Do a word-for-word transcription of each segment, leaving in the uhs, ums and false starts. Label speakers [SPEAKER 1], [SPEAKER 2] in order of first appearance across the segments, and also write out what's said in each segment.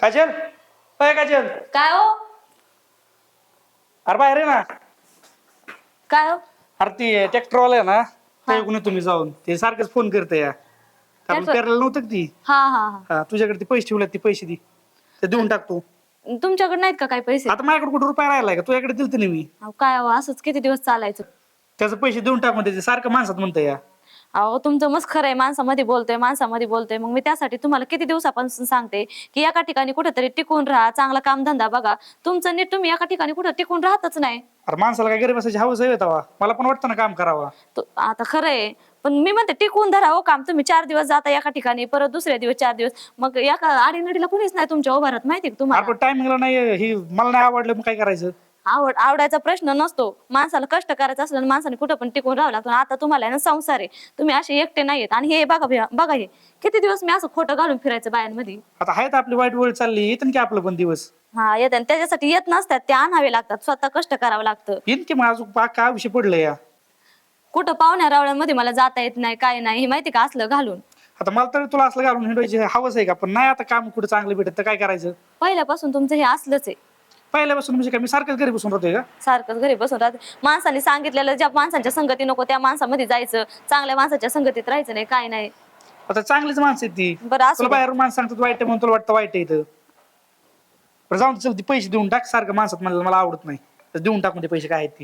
[SPEAKER 1] काजल अय काजल
[SPEAKER 2] काय हो
[SPEAKER 1] अरे बाहेर आहे ना.
[SPEAKER 2] काय हो
[SPEAKER 1] अरे ती ट्रॅक्टरवाला आहे ना त्याकडून तुम्ही जाऊन ते सारखंच फोन करते या आपण
[SPEAKER 2] Tractor-
[SPEAKER 1] पेरायला नव्हतं का ती
[SPEAKER 2] हा हा हा
[SPEAKER 1] हा तुझ्याकडे ते पैसे ठेवले ते पैसे दे ते देऊन टाकतो.
[SPEAKER 2] तुमच्याकडे नाहीत का काही पैसे?
[SPEAKER 1] आता माझ्याकडे कुठे रुपया राहिलाय का तुझ्याकडे दिलते ना मी.
[SPEAKER 2] अहो, काय हो, असंच किती दिवस चालायचं?
[SPEAKER 1] त्याचे पैसे देऊन टाक म्हणते ते सारखं माणसात म्हणतं या.
[SPEAKER 2] अहो तुमचं मस्त खरं आहे, माणसामध्ये बोलतोय माणसामध्ये बोलतोय. मग मी त्यासाठी तुम्हाला किती दिवसापासून सांगते की एका ठिकाणी कुठेतरी टिकून राहा, चांगला कामधंदा बघा. तुमचं नीट तुम्ही एका ठिकाणी कुठे टिकून राहतच नाही.
[SPEAKER 1] अरे माणसाला काय गरीब असायची हवस आहे तवा मला पण वाटतं ना काम करावा.
[SPEAKER 2] तो- आता खरं आहे पण मी म्हणते टिकून धरा हो काम. तुम्ही चार दिवस जाता एका ठिकाणी, परत दुसऱ्या दिवस चार दिवस, मग एका आडीनडीला कुणीच नाही तुमच्या उभारत, माहिती का तुम्हाला?
[SPEAKER 1] आपण टायमिंगला नाही ही मला नाही आवडलं मग काय करायचं.
[SPEAKER 2] आवड आवडायचा प्रश्न नसतो. माणसाला कष्ट करायचं असलं माणसाने कुठं पण टिकून राहावं लागतं. आता तुम्हाला आहे ना संसार आहे, तुम्ही असे एकटे नाहीयेत. आणि हे बघा भैया, बघा हे किती दिवस मी असं खोटं घालून फिरायचं बायांमध्ये.
[SPEAKER 1] आता आहेत आपली वाईट वेळ चालली येतं की आपलं पण दिवस.
[SPEAKER 2] हा येत, आणि त्याच्यासाठी येत नसतात, ते आणावे लागतात, स्वतः कष्ट करावं लागतं.
[SPEAKER 1] येईन की मग अजून पा- काय विषय पडलं या.
[SPEAKER 2] कुठं पाहुण्या रावळ्यांमध्ये मला जाता येत नाही, काय नाही, हे माहिती का असलं घालून.
[SPEAKER 1] आता मला तरी तुला असलं घालून हिंडवायची हवस आहे का पण नाही आता काम कुठे चांगलं भेटत तर काय करायचं.
[SPEAKER 2] पहिल्यापासून तुमचं हे असलंच आहे.
[SPEAKER 1] पहिल्यापासून म्हणजे काय मी सारखंच घरी बसून राहतोय का.
[SPEAKER 2] सारखंच घरी बसून राहते. माणसाने सांगितलेलं ज्या माणसांच्या संगती नको त्या माणसामध्ये जायचं, चांगल्या माणसाच्या संगतीत राहायचं नाही, काय नाही.
[SPEAKER 1] आता चांगलीच माणसं आहेत ती.
[SPEAKER 2] बरं असू
[SPEAKER 1] तुला
[SPEAKER 2] द्या.
[SPEAKER 1] बाहेरून माणसं सांगतात वाईट आहे म्हणून तुला वाटतं वाईट आहे इथं. बरं जाऊन चल ती पैसे देऊन टाक सारखं माणसात मला मला आवडत नाही तर देऊन टाकून ते पैसे काय आहेत ती.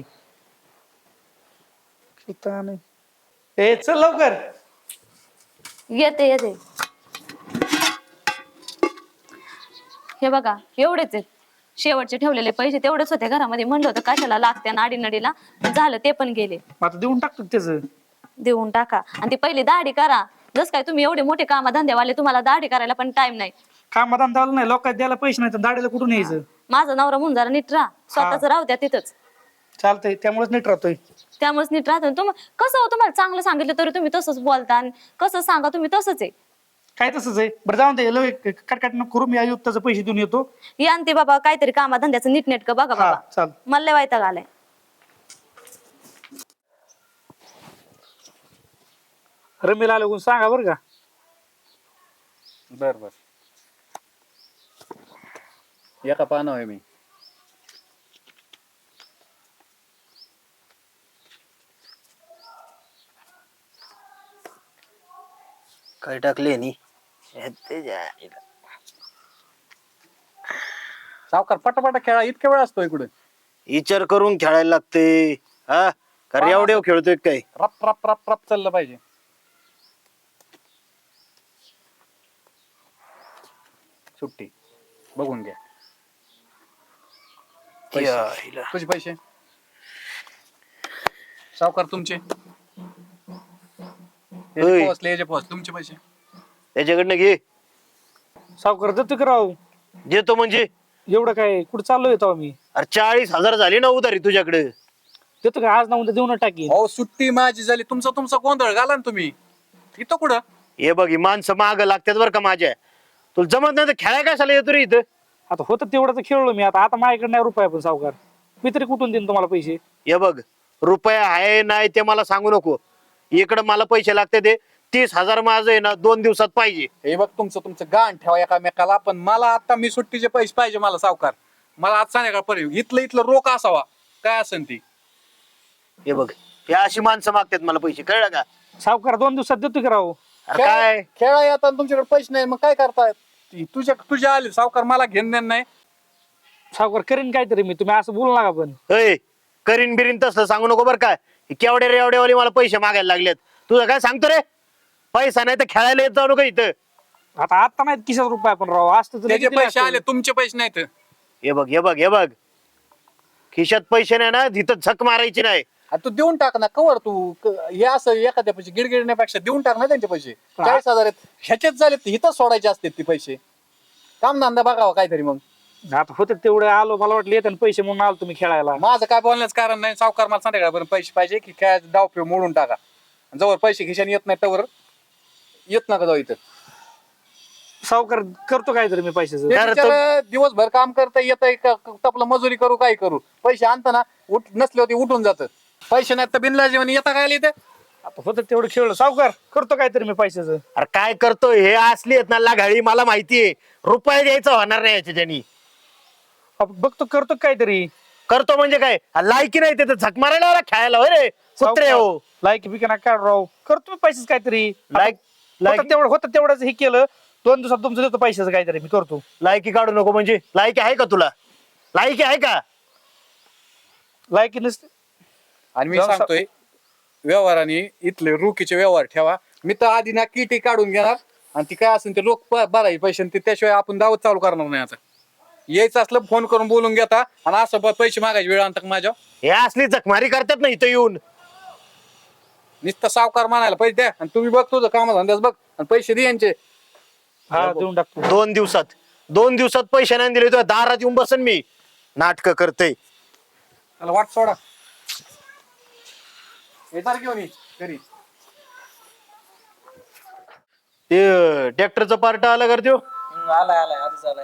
[SPEAKER 1] शिता नाही. ए चल लवकर.
[SPEAKER 2] येते येते हे बघा एवढेच आहेत. शेवटचे ठेवलेले पैसे तेवढेच होते घरामध्ये. म्हणलं होतं कशाला लागते नाडीनडीला, झालं ते पण गेले.
[SPEAKER 1] मग आता देऊन टाकतो त्याचं.
[SPEAKER 2] देऊन टाका आणि ती पहिली दाढी करा. जस काय तुम्ही एवढे मोठे कामा धंदेवाले, तुम्हाला दाढी करायला पण टाइम नाही.
[SPEAKER 1] कामात आलं नाही लोकांना द्यायला पैसे नाही तर दाढीला कुठून यायचं.
[SPEAKER 2] माझा नवरा म्हणून जरा नीट राहा, स्वतःच राहू द्या तिथंच.
[SPEAKER 1] चालतंय त्यामुळेच नीट राहतोय.
[SPEAKER 2] त्यामुळेच नीट राहतो. तुम कसं हो, तुम्हाला चांगलं सांगितलं तरी तुम्ही तसंच बोलता, आणि कसं सांगा तुम्ही तसंच आहे.
[SPEAKER 1] काय तसंच आहे. बरं जाऊन दे लय कटकट नको करू मी आयुक्ताचे पैसे देऊन येतो.
[SPEAKER 2] या आणि ते बाबा काहीतरी कामा धंद्याचं नीट नेटकं बघा
[SPEAKER 1] हा
[SPEAKER 2] बाबा.
[SPEAKER 1] चाल.
[SPEAKER 2] मला लय वैताग आलाय.
[SPEAKER 1] रमीला आलं सांगा बरं का.
[SPEAKER 3] बर बर एका पाहणं आहे मी.
[SPEAKER 4] काय टाकले नी
[SPEAKER 3] सावकार पटापटा खेळा, इतक्या वेळ असतो इकडे.
[SPEAKER 4] विचार करून खेळायला लागते. हा कारण एवढे खेळतोय काय.
[SPEAKER 3] रप रप रप रप चाललं पाहिजे. सुट्टी बघून घ्या. पैसे.
[SPEAKER 4] या हिला.
[SPEAKER 3] तुझे पैसे सावकार तुमचे.
[SPEAKER 4] होय.
[SPEAKER 3] पोहोचले याचे पोहोच तुमचे पैसे.
[SPEAKER 4] त्याच्याकडनं घे.
[SPEAKER 1] सावकार देतो की राव.
[SPEAKER 4] देतो म्हणजे
[SPEAKER 1] एवढं काय कुठं चाललो येतो मी.
[SPEAKER 4] अरे चाळीस हजार झाली ना उधारी तुझ्याकडे.
[SPEAKER 1] देतो का आज ना उद्या देऊन टाकीन.
[SPEAKER 3] अहो सुट्टी माझी झाली, तुमचा तुमचा गोंधळ घाला ना तुम्ही. इथं कुठं
[SPEAKER 4] हे बघ ही माणसं माग लागतात बरं का माझ्या. तुला जमत नाही तर खेळाय कशाला येतो रे इथं.
[SPEAKER 1] आता होतं तेवढं तर खेळलो मी. आता आता माझ्याकडे नाही रुपया पण सावकार मी तरी कुठून देईन तुम्हाला पैसे.
[SPEAKER 4] हे बघ रुपया आहे नाही ते मला सांगू नको. इकडं मला पैसे लागते ते तीस हजार माझं आहे ना दोन दिवसात पाहिजे.
[SPEAKER 3] हे बघ तुमचं तुमचं गाण ठेवा एकामेकाला. पण मला आता मी सुट्टीचे पैसे पाहिजे मला सावकार. मला आज संध्याकाळपर्यंत इथलं इथलं रोख असावा काय असेल ती.
[SPEAKER 4] हे बघ हे अशी माणसं मागतात मला पैसे कळलं का.
[SPEAKER 1] सावकार दोन दिवसात देतो की राव.
[SPEAKER 4] अरे काय
[SPEAKER 3] खेळा येतात तुमच्याकडे पैसे नाही मग काय करतायत. ती तुझ्या तुझ्या आले सावकार मला घेण देण नाही.
[SPEAKER 1] सावकार करीन काहीतरी मी. तुम्ही असं बोलू नका पण.
[SPEAKER 4] अय करीन बिरीन तसलं सांगू नको बरं काय. केवढे रे एवढे वाले मला पैसे मागायला लागलेत. तुझं काय सांगतो रे. पैसा नाही तर खेळायला येत जाऊ नको इथं.
[SPEAKER 1] आता आता नाहीत किशात रुपया पण राव असतं तर
[SPEAKER 3] त्याचे
[SPEAKER 1] किती
[SPEAKER 3] पैसे
[SPEAKER 1] असतं.
[SPEAKER 3] आले तुमचे पैसे नाहीत.
[SPEAKER 4] हे बघ हे बघ हे बघ खिशात पैसे नाही ना तिथं झक मारायची नाही.
[SPEAKER 3] आ, तू देऊन टाक ना कवर तू क- हे असं एखाद्या पैसे गिडगिडण्यापेक्षा देऊन टाक ना त्यांचे पैसे. चाळीस हजार आहेत ह्याच्यात झाले इथंच सोडायचे असते ते पैसे. काम धंदा बघावा काहीतरी. मग
[SPEAKER 1] आता होते तेवढे आलो मला वाटलं येते पैसे म्हणून आलो तुम्ही खेळायला.
[SPEAKER 3] माझं काय बोलण्याचं कारण नाही. सावकार मला संध्याकाळपर्यंत पैसे पाहिजे की काय डाव पिव मोडून टाका. जवळ पैसे खिशाने येत नाही त्यावर येत नका जाऊ इथं.
[SPEAKER 1] सावकार करतो काहीतरी मी पैशाचं.
[SPEAKER 3] ते
[SPEAKER 4] अरे
[SPEAKER 3] बिचारं दिवसभर काम करता येत तपलं मजुरी करू काय करू पैसे आणताना उठ नसले होते उठून जात. पैसे नाहीत तर बिनला जेवण येता काय इथे.
[SPEAKER 1] आता होतं तेवढं खेळलं सावकार करतो काहीतरी मी पैशाचं.
[SPEAKER 4] अरे काय करतोय हे असली आहेत ना लागाळी मला माहितीये रुपये द्यायचं होणार नाही याच्यानी.
[SPEAKER 1] आपण बघतो करतो काहीतरी.
[SPEAKER 4] करतो म्हणजे काय लायकी नाही ते झक मारायला आला खेळायला होय रे कुत्रे हो.
[SPEAKER 1] लायकी बिका काढ राव करतो मी पैसेच काहीतरी.
[SPEAKER 4] लायक
[SPEAKER 1] होतं
[SPEAKER 4] लायकी
[SPEAKER 1] तेवढं होतं तेवढंच हे केलं दोन दिवसात तुमचं देतो पैशाचं काहीतरी मी करतो.
[SPEAKER 4] लायकी काढू नको म्हणजे लायकी आहे का तुला लायकी आहे का.
[SPEAKER 1] लायकी नसते.
[SPEAKER 3] आणि मी
[SPEAKER 1] जाऊन सा-
[SPEAKER 3] सांगतोय व्यवहाराने इथले रोखीचे व्यवहार ठेवा. मी तर आधी ना किटी काढून घेणार आणि ती काय असेल ते लोक भरायचे पैसे आणि ते त्याशिवाय आपण दावत चालू करणार नाही. आता यायचं असलं फोन करून बोलून घेता आणि असं प- पैसे मागायचे वेळ आणता माझ्या
[SPEAKER 4] हे असली जखमारी करतात ना इथं येऊन.
[SPEAKER 3] नुसतं सावकार म्हणायला पैसे द्या आणि तुम्ही बघ तुझं काम धंद्याच बघ आणि पैसे दे यांचे.
[SPEAKER 1] हा देऊन टाकतो.
[SPEAKER 4] दोन दिवसात दोन दिवसात पैसे नाही दिले तुझ्या दारात येऊन बसन मी नाटक करते.
[SPEAKER 3] मला वाट सोडा येणार घेऊन ये घरी.
[SPEAKER 4] ते ट्रॅक्टरचं पार्ट आलं कर त्यो.
[SPEAKER 3] आलाय आलाय आधीच आलाय.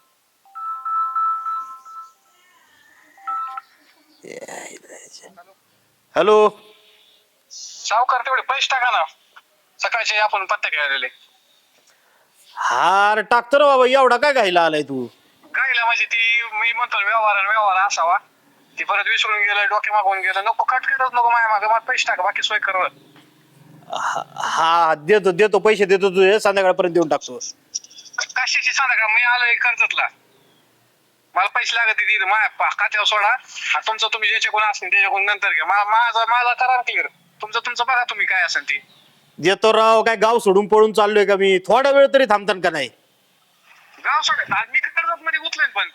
[SPEAKER 4] हॅलो
[SPEAKER 3] सावकार तेवढे पैसे टाका ना सकाळचे आपण पत्ते घ्यायला.
[SPEAKER 4] हार टाकतो ना बाबा एवढा काय घायला आलाय तू.
[SPEAKER 3] गायला म्हणजे ती मी म्हणतो व्यवहार आणि व्यवहार असावा ती परत विसरून गेलं डोके मागून गेलं नको कटकटच नको माझ्या मागे मला पैसे टाका बाकी सोय कर.
[SPEAKER 4] हा हा, देतो देतो पैसे देतो तुझे संध्याकाळपर्यंत देऊन टाकतो.
[SPEAKER 3] कशाची सांगा का मी आलोय कर्जतला मला पैसे लागत तिथे माझ्या खात्यावर सोडा आणि तुमचं तुम्ही ज्याच्या कोण असेल त्याच्याकडून नंतर घ्या. मा- माझा माझा करा क्लिअर तुमचं तुमचं बघा तुम्ही काय असेल ती.
[SPEAKER 4] देतो राव काय गाव सोडून पळून चाललोय का मी थोडा वेळ तरी थांबतान का नाही.
[SPEAKER 3] गाव सोडा आज मी कर्जत मध्ये उचलेन पण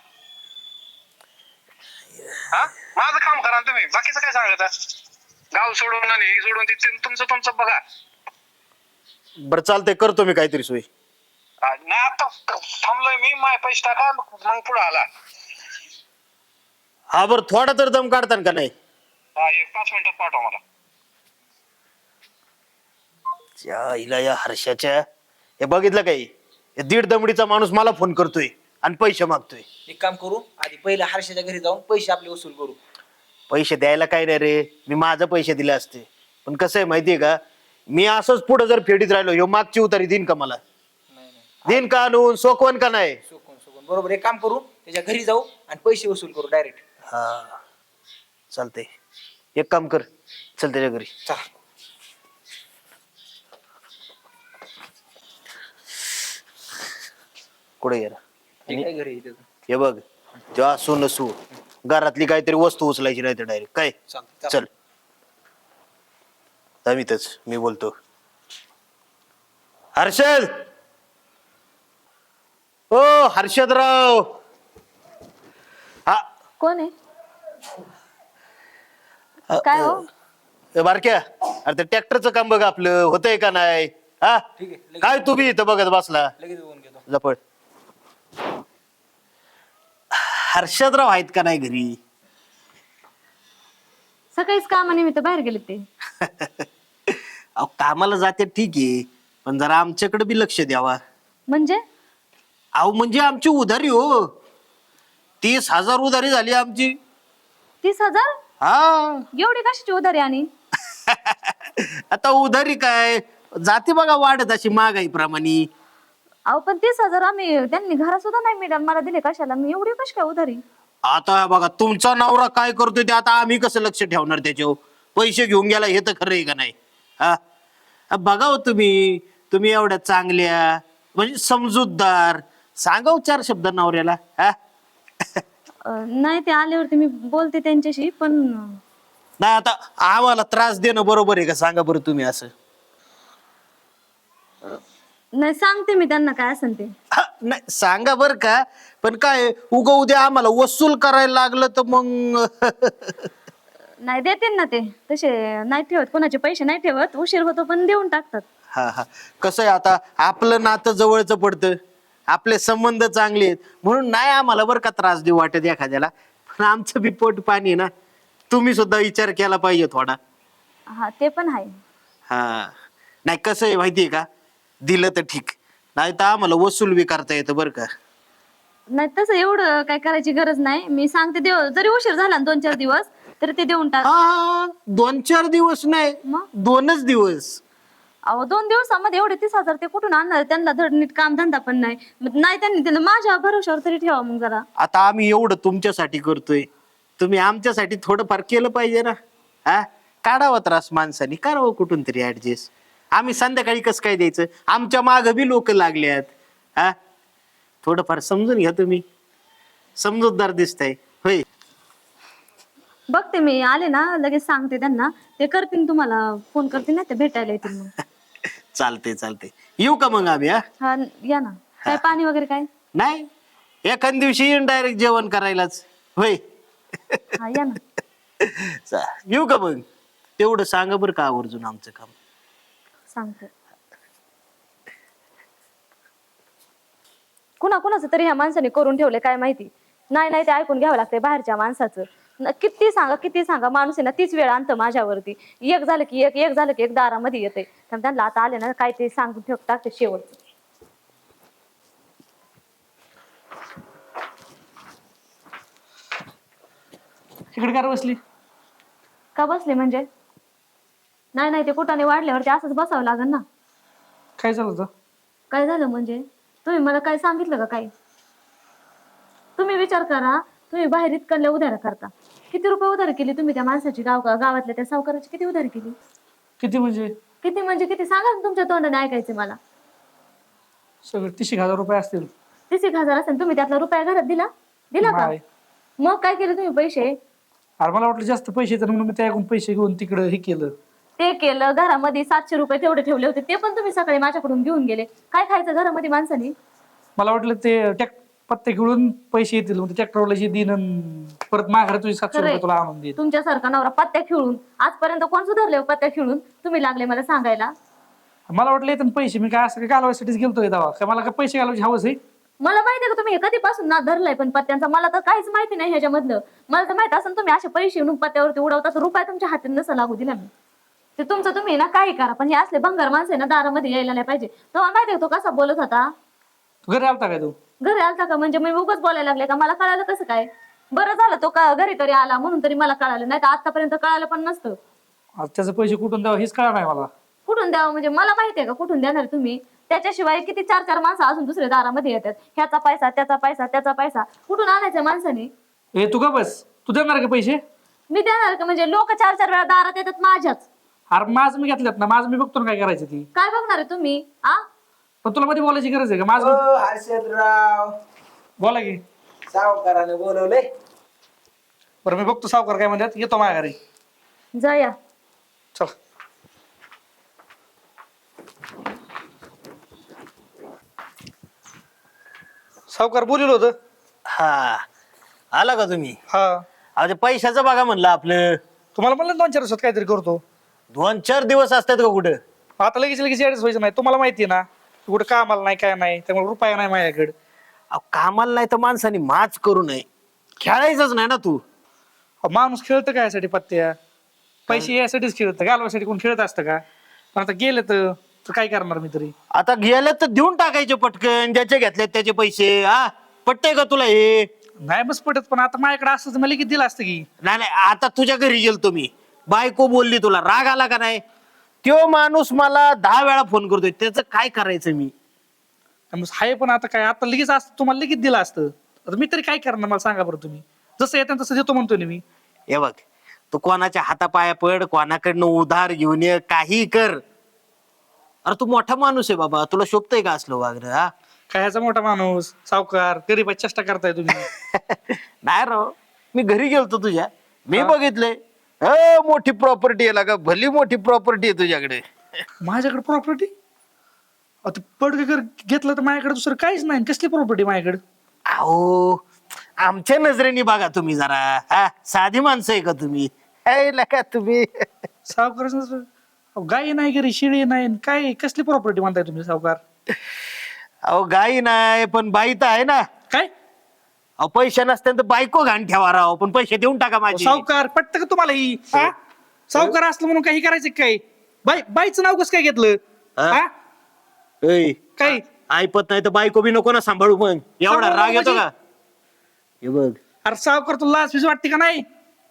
[SPEAKER 3] हा माझं काम करा ना तुम्ही बाकीचं काय सांगता. गाव सोडून आणि हे सोडून ते तुमचं तुमचं बघा.
[SPEAKER 4] बरं चालतंय करतो मी काहीतरी सोय.
[SPEAKER 3] नाही आता थांबलोय मी माझे पैसे टाका मग पुढे आला.
[SPEAKER 4] हा बरं थोडा तर दम काढतान का नाही.
[SPEAKER 3] हा एक पाच मिनिटात पाठवा मला.
[SPEAKER 4] त्या हिला या हर्षाच्या हे बघितलं काही हे दीड दमडीचा माणूस मला फोन करतोय आणि पैसे मागतोय.
[SPEAKER 5] एक काम करू आधी पहिला हर्षाच्या घरी जाऊन पैसे आपले वसूल करू.
[SPEAKER 4] पैसे द्यायला काय नाही रे मी माझं पैसे दिले असते पण कसं आहे माहितीये का मी असंच पुढे जर फेडीत राहिलो ह्यो मागची उतारी देईन का मला.
[SPEAKER 5] नाही नाही
[SPEAKER 4] देईन का आणून सोकवन का नाही.
[SPEAKER 5] सुकून सुकून बरोबर एक काम करू त्याच्या घरी जाऊ आणि पैसे वसूल करू डायरेक्ट.
[SPEAKER 4] हा चालतंय एक काम कर चल त्याच्या घरी.
[SPEAKER 5] चला
[SPEAKER 4] कुठे गेला
[SPEAKER 5] ठीक आहे घरी इथे.
[SPEAKER 4] हे बघ तेव्हा असू नसू घरातली काहीतरी वस्तू उचलायची नाही तर डायरेक्ट काय.
[SPEAKER 5] चालतंय,
[SPEAKER 4] चल अमितच मी बोलतो. हर्षद ओ हर्षदराव. हा
[SPEAKER 2] कोण आहे काय हो.
[SPEAKER 4] ए, बारक्या अरे ते ट्रॅक्टरचं काम बघ आपलं होतंय का नाही. हा
[SPEAKER 5] ठीक आहे लगेच-
[SPEAKER 4] काय तू बी इथं बघत बसला
[SPEAKER 5] लगेच बघून घेतो.
[SPEAKER 4] जपड. हर्षदराव आहेत का नाही घरी.
[SPEAKER 2] सकाळीच कामानिमित्त बाहेर गेले ते.
[SPEAKER 4] अहो कामाला जाते ठीक आहे पण जरा आमच्याकडे बी लक्ष द्यावा.
[SPEAKER 2] म्हणजे
[SPEAKER 4] अहो म्हणजे आमची उधारी हो तीस हजार उधारी झाली आमची.
[SPEAKER 2] तीस हजार
[SPEAKER 4] हा
[SPEAKER 2] एवढी कशाची उधारी आणि.
[SPEAKER 4] आता उधारी काय जाते बघा वाढत अशी महागाई प्रमाणे.
[SPEAKER 2] अहो पण तीस हजार आम्ही त्यांनी घरा सुद्धा नाही मॅडम मला दिले कशाला मी एवढी कशी काय उधारी.
[SPEAKER 4] आता बघा तुमचा नवरा काय करतोय ते आता आम्ही कसं लक्ष ठेवणार त्याच्यावर. पैसे घेऊन गेला हे तर खरं आहे का नाही. हा बघा हो तुम्ही तुम्ही एवढ्या चांगल्या म्हणजे समजूतदार सांगाव चार शब्द नवऱ्याला. हा
[SPEAKER 2] अं, नाही ते आल्यावरती मी बोलते त्यांच्याशी पण.
[SPEAKER 4] नाही आता आम्हाला त्रास देणं बरोबर आहे का सांगा बरं तुम्ही असं.
[SPEAKER 2] नाही सांगते मी त्यांना काय असेल ते.
[SPEAKER 4] हा, नाही सांगा बर का पण काय उगा उद्या आम्हाला वसूल करायला लागलं तर मग.
[SPEAKER 2] नाही देतील ना ते तसे नाही ठेवत कोणाचे पैसे नाही ठेवत उशीर होतो पण देऊन टाकतात.
[SPEAKER 4] हा हा कसं आहे आता आपलं नातं जवळचं पडतं आपले संबंध चांगले आहेत म्हणून नाही आम्हाला बरं का त्रास देऊ वाटत एखाद्याला. पण आमचं बी पोट पाणी आहे ना तुम्ही सुद्धा विचार केला पाहिजे थोडा.
[SPEAKER 2] हा ते पण आहे.
[SPEAKER 4] हा नाही कसं आहे माहितीये का दिलं तर ठीक नाही तर आम्हाला वसूल बी करता येतं बरं का.
[SPEAKER 2] नाही तसं एवढं काय करायची गरज नाही मी सांगते देव जरी उशीर झाला ना दोन चार दिवस तरी ते देऊन टाक.
[SPEAKER 4] हा दोन चार दिवस नाही
[SPEAKER 2] मग?
[SPEAKER 4] दोनच दिवस.
[SPEAKER 2] अहो दोन दिवसामध्ये एवढे तीस हजार ते कुठून आणणार? त्यांना धड नीट काम धंदा पण नाही. मग नाही त्यांनी त्यांना माझ्या भरोशावर तरी ठेवा मग जरा.
[SPEAKER 4] आता आम्ही एवढं तुमच्यासाठी करतोय, तुम्ही आमच्यासाठी थोडंफार केलं पाहिजे ना. हा काढावा त्रास माणसानी, करावं कुठून तरी ऍडजस्ट. आम्ही संध्याकाळी कसं काय द्यायचं? आमच्या माग बी लोक लागल्यात. हा थोडंफार समजून घ्या तुम्ही, समजूतदार दिसताय होय.
[SPEAKER 2] बघते मी आले ना लगेच सांगते त्यांना, ते करतील तुम्हाला फोन करतील ना, ते भेटायला येतील मग.
[SPEAKER 4] चालते चालते, येऊ का मग आम्ही? हा
[SPEAKER 2] हा या ना. काय पाणी वगैरे काय?
[SPEAKER 4] नाही, एखाद दिवशी येईन डायरेक्ट जेवण करायलाच होय.
[SPEAKER 2] हा या ना.
[SPEAKER 4] चा- येऊ का मग? तेवढं सांगा बरं का आवर्जून आमचं काम.
[SPEAKER 2] सांगते. कुणा कुणाचं तरी ह्या माणसाने करून ठेवले काय माहिती. नाही नाही ते ऐकून घ्यावं लागतंय बाहेरच्या माणसाचं. न- किती सांगा किती सांगा, माणूस आहे ना तीच वेळ आणतं माझ्यावरती. एक झालं की एक, एक झालं की एक दारामध्ये येते. तर त्यांना आता आले ना काय ते सांगून ठेव टाकते शेवटचं.
[SPEAKER 1] इकडे कार बसली?
[SPEAKER 2] का बसले म्हणजे? नाही नाही ते कुठाने वाढल्यावरती असंच बसावं लागेल ना.
[SPEAKER 1] काय झालं होतं?
[SPEAKER 2] काय झालं म्हणजे? तुम्ही मला काय सांगितलं का काय? तुम्ही विचार करा, तुम्ही बाहेर इतकल्या उधार करता. किती रुपये उधार केली तुम्ही त्या माणसाची? गाव गावातल्या त्या सावकाराची किती उधार केली?
[SPEAKER 1] किती म्हणजे?
[SPEAKER 2] किती म्हणजे किती सांगा ना, तुमच्या तोंडाने ऐकायचं मला.
[SPEAKER 1] सगळं तीस एक हजार रुपये असतील.
[SPEAKER 2] तीस एक हजार असेल, तुम्ही त्यातला रुपया घरात दिला दिला का?
[SPEAKER 1] नाही.
[SPEAKER 2] मग काय केलं तुम्ही पैसे?
[SPEAKER 1] अरे मला वाटलं जास्त पैसे तर म्हणून मी त्याकडून पैसे घेऊन तिकडं हे केलं.
[SPEAKER 2] ते केलं. घरामध्ये सातशे रुपये तेवढे ठेवले होते, ते पण तुम्ही सकाळी माझ्याकडून घेऊन गेले. काय खायचं घरामध्ये माणसाने?
[SPEAKER 1] मला वाटलं ते टॅक पत्ते खेळून पैसे येतील, मग ट्रॅक्टरवाला जे दिन परत माघार तुझे सातशे रुपये तुला आणून देईल.
[SPEAKER 2] तुमच्यासारखा नवरा पत्त्या खेळून आजपर्यंत कोण सुधारले हो? पत्त्या खेळून तुम्ही लागले मला सांगायला.
[SPEAKER 1] मला वाटलं येतं पैसे, मी काय असं काय घालवायसाठीच गेलतोय तेव्हा. काय मला काय पैसे घालवायची हवंच आहे?
[SPEAKER 2] मला माहिती आहे का तुम्ही हे कधीपासून ना धरलाय पण पत्त्यांचा? मला तर काहीच माहिती नाही ह्याच्यामधलं. मला तर माहित असं तुम्ही असे पैसे येऊन पत्त्यावरती उडवता, तर रुपया तुमच्या हातात नसा लागू दिला मी. ते तुमचं तुम्ही ना काही करा, पण हे असले भंगार माणसं आहे ना दारामध्ये यायला नाही पाहिजे. तेव्हा माहिती आहे तो कसा बोलत होता?
[SPEAKER 1] तू घरी आलता काय तू?
[SPEAKER 2] घरी आलता का म्हणजे मी उगाच बोलायला लागले का? मला कळालं कसं काय? बरं झालं तो का घरी तरी आला म्हणून तरी मला कळालं, नाही तर आतापर्यंत कळालं पण नसतं.
[SPEAKER 1] आज त्याचे पैसे कुठून द्यावं हेच कळलं नाही मला.
[SPEAKER 2] कुठून द्यावं म्हणजे मला माहिती आहे का कुठून देणार तुम्ही? त्याच्याशिवाय किती चार चार माणसं अजून दुसऱ्या दारामध्ये येतात. ह्याचा पैसा त्याचा पैसा त्याचा पैसा कुठून आणायचा माणसाने?
[SPEAKER 1] ए तू का बस, तू देणार का पैसे?
[SPEAKER 2] मी देणार का म्हणजे? लोक चार चार वेळा दारात येतात माझ्याच.
[SPEAKER 1] अरे माझं मी घेतल्यात ना, माझं मी बघतो ना काय करायचं ती.
[SPEAKER 2] काय बघणार आहे तुम्ही? आ
[SPEAKER 1] पण तुला मध्ये बोलायची गरज आहे का? माझं
[SPEAKER 5] ओ हर्षदराव,
[SPEAKER 1] बोला की.
[SPEAKER 5] सावकाराने बोलवलंय.
[SPEAKER 1] बरं मी बघतो सावकार काय म्हणतात, येतो माझ्या घरी.
[SPEAKER 2] जा या.
[SPEAKER 1] चल. सावकार बोलिल होतं.
[SPEAKER 4] हा आला का तुम्ही?
[SPEAKER 1] हा
[SPEAKER 4] अहो ते पैशाचं बघा म्हणलं आपलं.
[SPEAKER 1] तुम्हाला म्हणलं दोन चार दिवसात काहीतरी करतो.
[SPEAKER 4] दोन चार दिवस असतात का कुठं?
[SPEAKER 1] आता लगेच लगेच ऍडजस्ट व्हायचं नाही. तुम्हाला माहिती आहे ना कुठं कामाला नाही काय नाही, त्यामुळे रुपया नाही माझ्याकडे.
[SPEAKER 4] अहो कामाला नाही तर माणसाने माच करू नये. खेळायचंच नाही ना तू.
[SPEAKER 1] अहो, माणूस खेळतं काय यासाठी पत्त्या? पैसे यासाठीच खेळतं, घालवासाठी कोण खेळत असतं का? पण आता गेलं तर तर काय करणार मी तरी?
[SPEAKER 4] आता गेलं तर देऊन टाकायचे पटकन, ज्याचे घेतलेत त्याचे पैसे. हा पटतंय का तुला हे?
[SPEAKER 1] नाही बस पटत, पण आता माझ्याकडे असतं तर मला लगेच दिलं असतं की.
[SPEAKER 4] नाही नाही, आता तुझ्या घरी गेलतो मी, बायको बोलली, तुला राग आला का नाही? तो माणूस मला दहा वेळा फोन करतोय, त्याचं काय करायचं मी?
[SPEAKER 1] मग हाय पण आता काय, आता लगेच असतं तुम्हाला लगेच दिलं असतं. आता मी तरी काय करणार मला सांगा बरं तुम्ही. जसं येतं तसं देतो म्हणतो ना मी.
[SPEAKER 4] हे बघ, तू कोणाच्या हातापाया पड, कोणाकडनं उधार घेऊन ये, काही कर. अरे तू मोठा माणूस आहे बाबा, तुला शोभतंय का असलं वागणं? हा
[SPEAKER 1] काय ह्याचा मोठा माणूस सावकार गरीबाची चेष्टा करताय तुम्ही.
[SPEAKER 4] नाही राव, मी घरी गेलतो तुझ्या, मी बघितलंय. अ मोठी प्रॉपर्टी आहे का? भली मोठी प्रॉपर्टी आहे तुझ्याकडे.
[SPEAKER 1] माझ्याकडे प्रॉपर्टी? आता पडकर घेतलं तर माझ्याकडे दुसरं काहीच नाही. कसली प्रॉपर्टी माझ्याकडे?
[SPEAKER 4] अहो आमच्या नजरेने बघा तुम्ही जरा. हा साधी माणसं आहे का तुम्ही? है का तुम्ही?
[SPEAKER 1] सावकार गाई नाही घरी, शिळी नाही, काय कसली प्रॉपर्टी म्हणताय तुम्ही सावकार?
[SPEAKER 4] अहो गाई नाही पण बाई तर आहे ना.
[SPEAKER 1] काय
[SPEAKER 4] अहो पैसे नसत्यानं तर बायको घाण ठेवा राव, पण पैसे देऊन टाका माझे.
[SPEAKER 1] सावकार पटत का तुम्हाला ही? हा? सावकार असलं म्हणून काही करायचं का काय? बाई बाईचं नाव कसं काय घेतलं?
[SPEAKER 4] हा?
[SPEAKER 1] हा?
[SPEAKER 4] ऐ,
[SPEAKER 1] काय
[SPEAKER 4] ऐपत नाही तर बायको बी नको ना सांभाळू. मग एवढा
[SPEAKER 1] सांभाळू
[SPEAKER 4] राग येतो
[SPEAKER 1] म्हणजे?
[SPEAKER 4] का? हे बघ,
[SPEAKER 1] अरे सावकार तुला लाज फिज वाटते का नाही?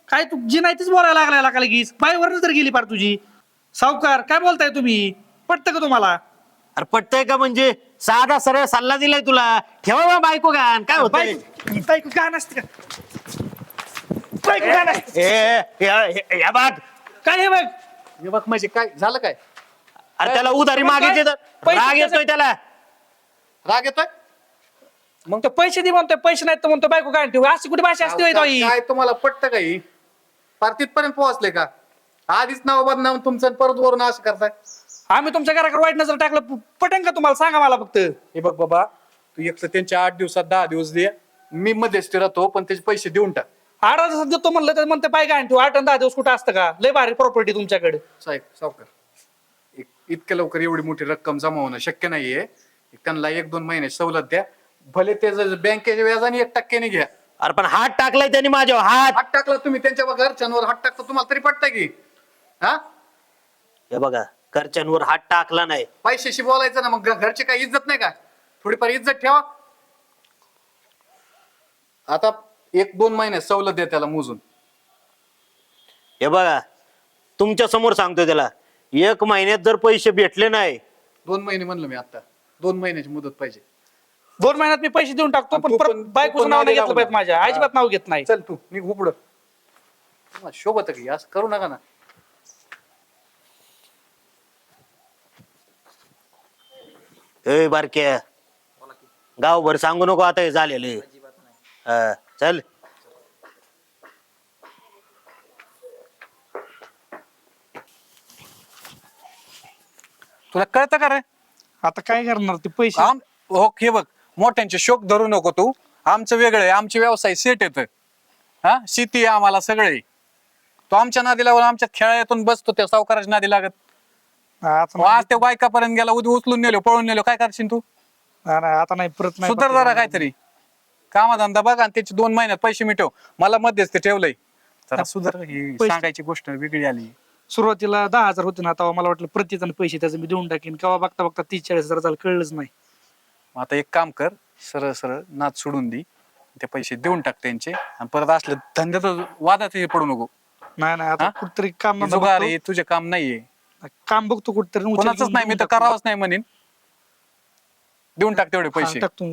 [SPEAKER 1] काय तू जी नाही तीच बोलायला लागलाय लागा लगेच बाईवरनं तर गेली पार तुझी. सावकार काय बोलताय तुम्ही? पटतं का तुम्हाला?
[SPEAKER 4] अरे पटतंय का म्हणजे साधा सरळ सल्ला दिलाय तुला. ठेवा बा बायको गाण काय होतंय?
[SPEAKER 1] बायको बायको का नसते का? बायको का नसते?
[SPEAKER 4] ए, ए, ए, या बाग
[SPEAKER 1] काय हे बघ
[SPEAKER 3] हे बघ म्हणजे काय झालं काय?
[SPEAKER 4] अरे त्याला उधारी मागायची तर
[SPEAKER 1] पैसे
[SPEAKER 4] राग येतोय त्याला.
[SPEAKER 3] राग येतोय?
[SPEAKER 1] मग तो पैसे दे म्हणतोय, पैसे नाहीत तर म्हणतो बायको काय ठेवू. अशी कुठे भाषा असते होय ताई?
[SPEAKER 3] काय तुम्हाला पटतं काही? पार तिथपर्यंत पोहोचले का? आधीच नाव बदनाम तुमचं आणि परत वरून असं करताय.
[SPEAKER 1] आम्ही तुमच्या घराकडे वाईट नजर टाकलं प- पटेन का तुम्हाला? सांगा मला फक्त.
[SPEAKER 3] हे बघ बाबा, तू एक तर त्यांच्या आठ दिवसात दहा दिवस दे, मी मध्यस्थी राहतो पण त्याचे पैसे देऊन टाक.
[SPEAKER 1] आठ दिवसात देतो म्हणलं तर म्हणते बाय काय ठेवू. आठ आणि दहा दिवस कुठं असतं का? लय भारी प्रॉपर्टी तुमच्याकडे.
[SPEAKER 3] साहेब सावकार, एक इतक्या लवकर एवढी मोठी रक्कम जमा होणं शक्य नाहीये. एक त्यांना एक दोन महिने सवलत द्या, भले ते जर बँकेच्या व्याजाने एक टक्क्याने घ्या.
[SPEAKER 4] अरे पण हात टाकलाय त्यांनी माझ्यावर हात.
[SPEAKER 3] हात टाकला तुम्ही त्यांच्या घरच्यांवर, हात टाकता तुम्हाला तरी पटतं की? हा,
[SPEAKER 4] हे बघा घरच्यांवर हात टाकला नाही.
[SPEAKER 3] पैशाशी बोलायचं ना, मग घ- घरची काही इज्जत नाही का? थोडीफार इज्जत ठेवा. आता एक दोन महिने सवलत द्या त्याला मोजून.
[SPEAKER 4] हे बघा तुमच्या समोर सांगतोय त्याला, एक महिन्यात जर पैसे भेटले नाही
[SPEAKER 3] दोन महिने म्हणलं मी आता, दोन महिन्याची मुदत पाहिजे.
[SPEAKER 1] दोन महिन्यात मी पैसे देऊन टाकतो,
[SPEAKER 3] आणि
[SPEAKER 1] पण
[SPEAKER 3] तू
[SPEAKER 1] परत
[SPEAKER 3] पण- तू
[SPEAKER 1] बायकोचं
[SPEAKER 3] पण
[SPEAKER 1] नाव नाही
[SPEAKER 3] नादी
[SPEAKER 1] घेतलं पाहिजे
[SPEAKER 3] लागू
[SPEAKER 1] माझ्या.
[SPEAKER 3] नको.
[SPEAKER 1] अजिबात नाव घेत नाही.
[SPEAKER 3] चल तू निघ उपड. शोभत की असं करू नका ना.
[SPEAKER 4] ए बारक्या गावभर सांगू नको आता हे झालेलं. हा, चल.
[SPEAKER 3] तुला कळतं का रे?
[SPEAKER 1] आता काय करणार ते पैसे?
[SPEAKER 3] आम हो हे बघ, मोठ्यांचे शोक धरू नको तू. आमचं वेगळं आहे, आमचे व्यवसाय सेट येत. हा, शेती आहे आम्हाला सगळे. तो आमच्या नादी लागून आमच्या खेळातून बसतो, त्या सावकाराच्या नादी लागत.
[SPEAKER 1] आता
[SPEAKER 3] हो, आज त्या बायकापर्यंत गेला, उद्या उचलून नेलो, पळून नेलो, काय करशील तू?
[SPEAKER 1] नाही, नाही, आता नाही परत नाही.
[SPEAKER 3] सुधार जरा काहीतरी कामाधंदा बघ आणि त्याचे दोन महिन्यात पैसे मिटव. मला मध्येच ते ठेवलंय. जरा सुधार. ही
[SPEAKER 1] पैसे-
[SPEAKER 3] सांगायची गोष्ट वेगळी आली.
[SPEAKER 1] सुरुवातीला दहा हजार होते ना, तेव्हा मला वाटलं प्रतिजण पैसे त्याचे मी देऊन टाकेन. केव्हा बघता बघता तीस चाळीस हजार झालं, कळलंच नाही.
[SPEAKER 3] मग आता एक काम कर, सरळ सरळ नाच सोडून दे, ते पैसे देऊन टाक त्यांचे. आणि परत असले धंद्यात वादात हे पडू नको.
[SPEAKER 1] नाही नाही आता
[SPEAKER 3] हा?
[SPEAKER 1] कुठतरी काम
[SPEAKER 3] हे
[SPEAKER 1] धंदा
[SPEAKER 3] जुगार
[SPEAKER 1] बघतो.
[SPEAKER 3] आहे, तुझे काम नाहीये.
[SPEAKER 1] काम बघतो कुठतरी. उचल
[SPEAKER 3] कोणाचंच
[SPEAKER 1] घेऊन
[SPEAKER 3] नाही, मी
[SPEAKER 1] देऊन
[SPEAKER 3] तर
[SPEAKER 1] टाकतो.
[SPEAKER 3] करावंच नाही म्हणेन. देऊन टाक तेवढे
[SPEAKER 1] हा,
[SPEAKER 3] पैसे.
[SPEAKER 1] टाकतो.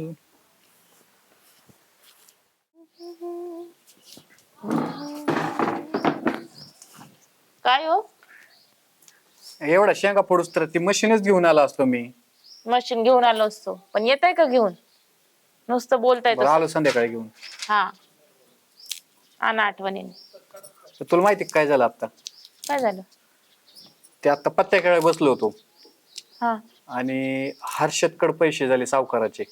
[SPEAKER 6] काय हो
[SPEAKER 3] एवढा शेंगा फोडूस तर ती मशीनच घेऊन आला असतो मी.
[SPEAKER 6] मशीन घेऊन आलो असतो, पण येत आहे का घेऊन? नुसतं बोलताय
[SPEAKER 3] बरं, आलो संध्याकाळी घेऊन.
[SPEAKER 6] हा आणा आठवणीने.
[SPEAKER 3] तर तुला माहिती काय झालं आता?
[SPEAKER 6] काय झालं?
[SPEAKER 3] ते आता पत्त्याकडे बसलो होतो
[SPEAKER 6] हा
[SPEAKER 3] आणि हर्षदकडे पैसे झाले सावकाराचे.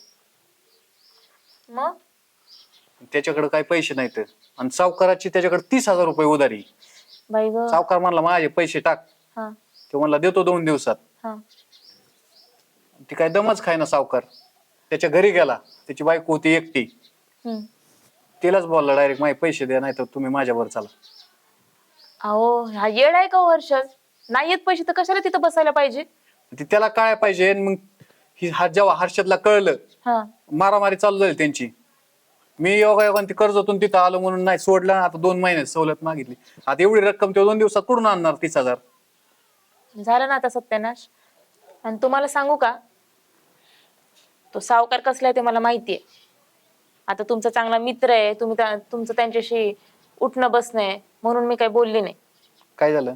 [SPEAKER 6] मग
[SPEAKER 3] त्याच्याकडे काही पैसे नाहीत आणि सावकाराची त्याच्याकडे तीस हजार रुपये उधारी.
[SPEAKER 6] बाई ग.
[SPEAKER 3] सावकार म्हणला माझे पैसे टाक.
[SPEAKER 6] हा
[SPEAKER 3] ते म्हणला देतो दोन दिवसात.
[SPEAKER 6] हा
[SPEAKER 3] ती काय दमच खाय ना सावकार. त्याच्या घरी गेला, त्याची बायको होती एकटी.
[SPEAKER 6] हम्म.
[SPEAKER 3] तिलाच बोलला डायरेक्ट माझे पैसे द्या, नाही तर तुम्ही माझ्यावर चला.
[SPEAKER 6] अहो हा येड आहे का वर्षात? नाही येत पैसे तर कशाला तिथं बसायला पाहिजे?
[SPEAKER 3] ती त्याला काय पाहिजे. आणि मग ही हा जेव्हा हर्षदला कळलं,
[SPEAKER 6] हा
[SPEAKER 3] मारामारी चालू झाली त्यांची. मी योगा योगा ती कर्जातून तिथं आलो म्हणून नाही सोडलं. आता दोन महिने सवलत मागितली. आता एवढी रक्कम तेव्हा दोन दिवसात कुठून आणणार तीस हजार?
[SPEAKER 6] झालं ना आता सत्यानाश. आणि तुम्हाला सांगू का, तो सावकार कसला आहे ते मला माहितीये. आता तुमचा चांगला मित्र आहे, तुम्ही त्या- तुमचं त्यांच्याशी उठणं बसणं आहे, म्हणून मी काही बोलली नाही.
[SPEAKER 3] काय झालं?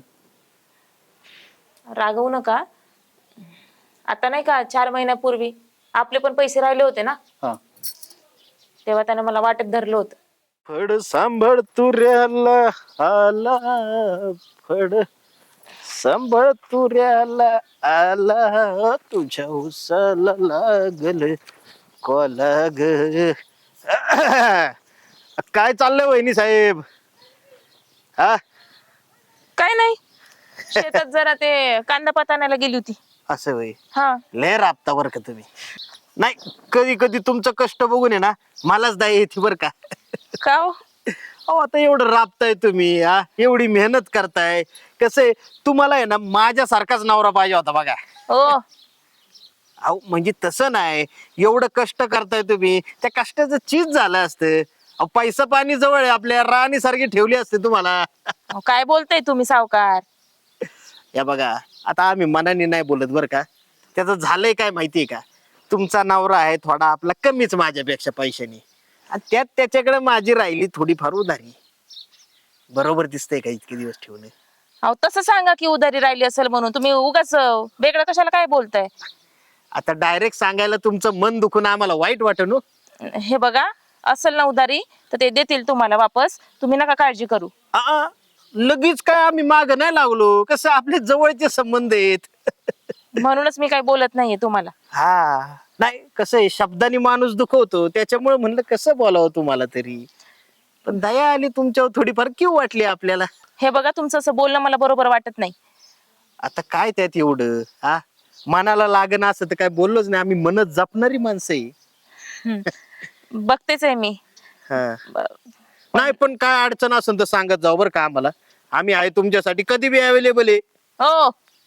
[SPEAKER 6] रागवू नका. आता नाही का चार महिन्यापूर्वी आपले पण पैसे राहिले होते ना,
[SPEAKER 3] हा,
[SPEAKER 6] तेव्हा त्याने मला वाटेत धरलं होतं.
[SPEAKER 4] फड सांभाळ तुऱ्याला आला, फड सांभाळ तुऱ्याला आला, तुझ्या उसाला लागल कोला ग. काय चाललंय वहिनी साहेब? हा
[SPEAKER 6] काय नाही, शेतात जरा ते कांदा पात आणायला गेली होती.
[SPEAKER 4] असं वय
[SPEAKER 6] हा
[SPEAKER 4] लय राबता बर का तुम्ही. नाही कधी कधी तुमचं कष्ट बघून आहे ना मलाच दया येते बर का.
[SPEAKER 6] का हो?
[SPEAKER 4] अहो आता एवढं राबताय तुम्ही, हा एवढी मेहनत करताय. कसं आहे तुम्हाला आहे ना माझ्यासारखाच नवरा पाहिजे होता बघा.
[SPEAKER 6] हो
[SPEAKER 4] अहो म्हणजे तसं नाही, एवढं कष्ट करताय तुम्ही, त्या कष्टाचं चीज झालं असतं. अहो, पैसा पाणी जवळ आहे आपल्या, राणी सारखी ठेवली असते तुम्हाला.
[SPEAKER 6] अहो, काय बोलताय तुम्ही सावकार?
[SPEAKER 4] या बघा, आता आम्ही मनाने नाही बोलत बरं का. त्याचं झालंय काय माहितीये का, तुमचा नवरा आहे थोडा आपला कमीच माझ्यापेक्षा पैशाने, आणि त्यात त्याच्याकडे माझी राहिली थोडीफार उधारी. बरोबर दिसतंय का इतके दिवस ठेवणे?
[SPEAKER 6] अहो तसं सांगा की उधारी राहिली असेल म्हणून. तुम्ही उगाच वेगळं कशाला काय बोलताय?
[SPEAKER 4] आता डायरेक्ट सांगायला तुमचं मन दुखून आम्हाला वाईट वाटन हो.
[SPEAKER 6] हे बघा, असेल ना उधारी तर ते देतील तुम्हाला वापस. तुम्ही नका काळजी करू.
[SPEAKER 4] आ, लगेच काय आम्ही माग नाही लागलो, कसं आपले जवळचे संबंध आहेत.
[SPEAKER 6] म्हणूनच मी काही बोलत नाहीये तुम्हाला.
[SPEAKER 4] हा नाही, कसं आहे, शब्दाने माणूस दुखवतो, त्याच्यामुळे म्हणलं कसं बोलावं तुम्हाला तरी. पण दया आली तुमच्यावर थोडीफार, क्यू वाटली आपल्याला.
[SPEAKER 6] हे बघा, तुमचं असं बोलणं मला बरोबर वाटत नाही.
[SPEAKER 4] आता काय त्यात एवढं, हा मनाला लागणं असं तर काय बोललोच नाही, आम्ही मनत जपणारी माणसं आहे.
[SPEAKER 6] बघतेच आहे मी.
[SPEAKER 4] हा.
[SPEAKER 6] ब-
[SPEAKER 4] नाही पण काय अडचण असेल तर सांगत जाऊ बरं का आम्हाला. आम्ही आहे तुमच्यासाठी कधी बी अवेलेबल आहे.
[SPEAKER 6] हो,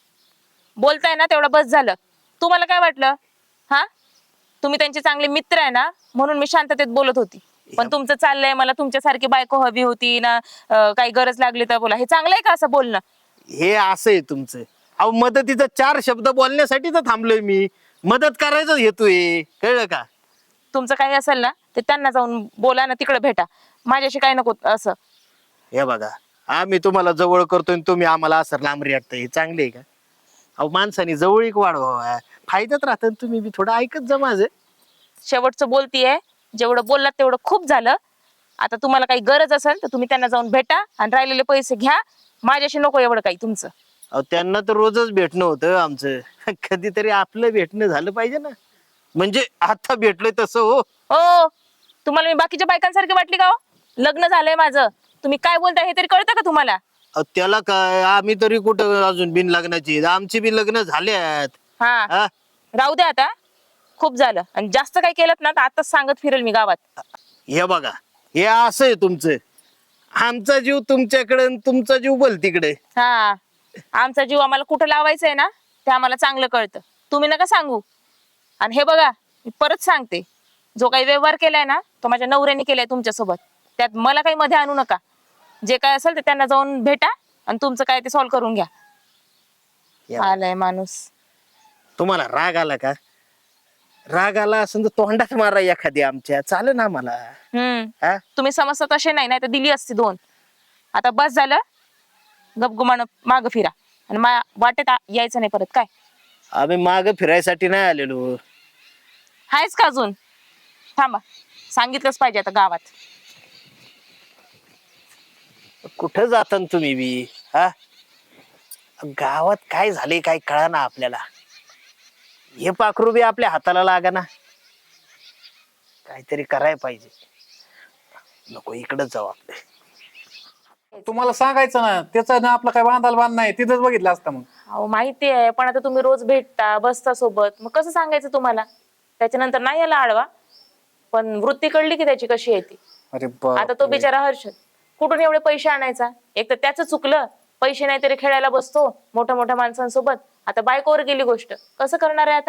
[SPEAKER 6] बोलताय ना तेवढं बस झालं. तुम्हाला काय वाटलं? हा, तुम्ही त्यांचे चांगले मित्र आहे ना, म्हणून मी शांततेत बोलत होती. पण तुमचं चाललंय मला तुमच्यासारखी बायको हवी होती ना, अं, काही गरज लागली तर बोला. हे चांगलं आहे का असं बोलणं?
[SPEAKER 4] हे असं आहे तुमचं. अहो मदतीचा चार शब्द बोलण्यासाठी तर थांबलोय मी, मदत करायचं हेतूय, कळलं का?
[SPEAKER 6] तुमचं काही असेल ना ते त्यांना जाऊन बोला ना, तिकडे भेटा. माझ्याशी काय नको असं.
[SPEAKER 4] हे बघा, आम्ही तुम्हाला जवळ करतोय आणि तुम्ही आम्हाला असं लांब रेटताय, हे चांगले आहे का? अहो माणसाने जवळीक वाढवा, फायद्यात राहतं. तुम्ही बी थोडं ऐकत जा माझं.
[SPEAKER 6] शेवटचं बोलतीये, जेवढं बोललात तेवढं खूप झालं. आता तुम्हाला काही गरज असेल तर तुम्ही त्यांना जाऊन भेटा आणि राहिलेले पैसे घ्या. माझ्याशी नको एवढं काही तुमचं.
[SPEAKER 4] अहो त्यांना तर रोजच भेटणं होतं आमचं, कधीतरी आपलं भेटणं झालं पाहिजे ना. म्हणजे आता भेटलोय तसं हो.
[SPEAKER 6] हो, तुम्हाला मी बाकीच्या बायकांसारखी वाटली का हो? लग्न झालंय माझं. तुम्ही काय बोलताय हे तरी कळतं का तुम्हाला?
[SPEAKER 4] अहो, त्याला काय, आम्ही तरी कुठं अजून बिन लग्नाची, आमची बी लग्न झाल्यात.
[SPEAKER 6] हा,
[SPEAKER 4] हा?
[SPEAKER 6] राहू द्या आता, खूप झालं. आणि जास्त काही केलं ना तर आताच सांगत फिरेल मी गावात.
[SPEAKER 4] हे बघा, हे असं आहे तुमचं. आमचा जीव तुमच्याकडे आणि तुमचा जीव बोल तिकडे.
[SPEAKER 6] हा, आमचा जीव आम्हाला कुठं लावायचा आहे ना ते आम्हाला चांगलं कळतं. तुम्ही नका सांगू. आणि हे बघा, मी परत सांगते, जो काही व्यवहार केलाय ना तो माझ्या नवऱ्याने केलाय तुमच्यासोबत. त्यात मला काही मध्ये आणू नका. जे काय असेल ते त्यांना जाऊन भेटा आणि तुमचं काय ते सॉल्व्ह करून घ्या.
[SPEAKER 4] या.
[SPEAKER 6] आलाय माणूस.
[SPEAKER 4] तुम्हाला राग आला का? राग आला असेल तर तोंडात मारा एखादी आमच्या, चालेल ना मला.
[SPEAKER 6] हम्म,
[SPEAKER 4] हा?
[SPEAKER 6] तुम्ही समजता तसे नाही, नाही तर दिली असती दोन. आता बस झालं, गपगुमान माग फिरा आणि मा वाटेत आ- यायचं नाही परत. काय
[SPEAKER 4] आम्ही माग फिरायसाठी नाही आलेलो.
[SPEAKER 6] हायच का अजून? थांबा, सांगितलंच पाहिजे आता गावात.
[SPEAKER 4] कुठं जाता न तुम्ही बी, हा? गावात काय झाले काय कळा ना आपल्याला. हे पाखरू बी आपल्या हाताला लागा ना. काहीतरी करायला पाहिजे. नको, इकडच जाऊ आपले.
[SPEAKER 3] तुम्हाला सांगायचं ना, त्याचा ना आपला काय बांधायला बांध नाही, तिथंच बघितलं असतं मग.
[SPEAKER 6] अहो माहिती आहे, पण आता तुम्ही रोज भेटता बसता सोबत, मग कसं सांगायचं तुम्हाला? त्याच्यानंतर नाही याला आडवा, पण वृत्ती कळली की त्याची कशी आहे ती.
[SPEAKER 3] अरे
[SPEAKER 6] आता तो बिचारा हर्षद कुठून एवढे पैसे आणायचा? एक तर त्याचं चुकलं, पैसे नाही तरी खेळायला बसतो मोठ्या मोठ्या माणसांसोबत. आता बायकोवर गेली गोष्ट, कसं करणार आहे आता?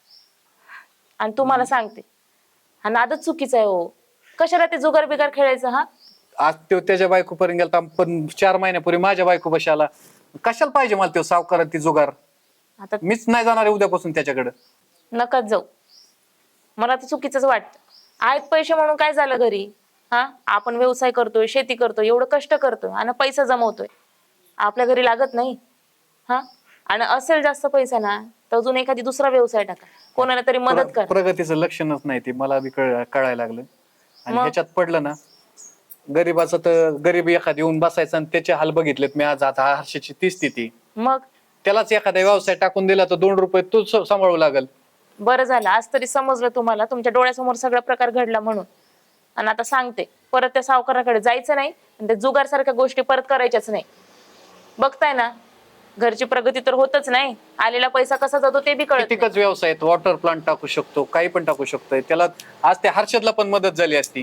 [SPEAKER 6] आणि तुम्हाला सांगते, हा नादच चुकीचा आहे हो. कशाला ते जुगार बिगार खेळायचं? हा,
[SPEAKER 3] आज तो त्याच्या बायकोपर्यंत गेला, पण चार महिन्यापूर्वी माझ्या बायको बशी आला. कशाला पाहिजे मला तो सावकार ती जुगार?
[SPEAKER 6] आता
[SPEAKER 3] मीच नाही जाणार आहे उद्यापासून त्याच्याकडे.
[SPEAKER 6] नकाच जाऊ. मला तर चुकीचंच वाटतं. आहेत पैसे म्हणून काय झालं घरी? हा, आपण व्यवसाय करतोय, शेती करतोय, एवढं कष्ट करतोय आणि पैसा जमवतोय. आपल्या घरी लागत नाही. हा, आणि असेल जास्त पैसा ना तर अजून एखादी दुसरा व्यवसाय टाका, कोणाला तरी मदत करा.
[SPEAKER 3] प्रगतीचं लक्षणच नाही ते, मला बी कळ- कळायला लागलं. आणि
[SPEAKER 6] मग?
[SPEAKER 3] ह्याच्यात पडलं ना, गरीबाचं तर गरीब एखादी येऊन बसायचं आणि त्याचे हाल बघितलेत मी आज. आता हर्षाची ती स्थिती,
[SPEAKER 6] मग
[SPEAKER 3] त्यालाच एखादा व्यवसाय टाकून दिला तर दोन रुपये तू सांभाळू लागल.
[SPEAKER 6] बरं झालं, आज तरी समजलं तुम्हाला. तुमच्या डोळ्यासमोर सगळा प्रकार घडला म्हणून. आणि आता सांगते, परत त्या सावकाराकडे जायचं नाही आणि त्या जुगार सारख्या गोष्टी परत करायच्याच नाही. बघताय ना, घरची प्रगती तर होतच नाही, आलेला पैसा कसा जातो ते बी कळत नाही.
[SPEAKER 3] कितीकच व्यवसाय आहेत, वॉटर प्लांट टाकू शकतो, काही पण टाकू शकतोय. त्याला आज त्या हर्षदला पण मदत झाली असती.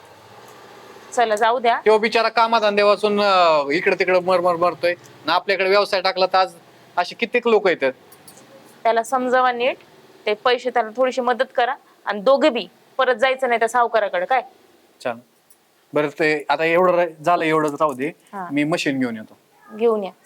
[SPEAKER 6] चला जाऊ द्या.
[SPEAKER 3] तो बिचारा कामाधंदे वाचून इकडे तिकडे मरमर मरतोय ना. आपल्याकडे व्यवसाय टाकला तर आज असे कित्येक लोक आहेत.
[SPEAKER 6] त्याला समजावा नीट, ते पैसे त्याला थोडीशी मदत करा आणि दोघे बी परत जायचं नाही त्या सावकाराकडे. काय
[SPEAKER 3] छान. बरं ते आता एवढं रा- झालं एवढं राहू दे,
[SPEAKER 6] हा.
[SPEAKER 3] मी मशीन घेऊन येतो.
[SPEAKER 6] घेऊन या.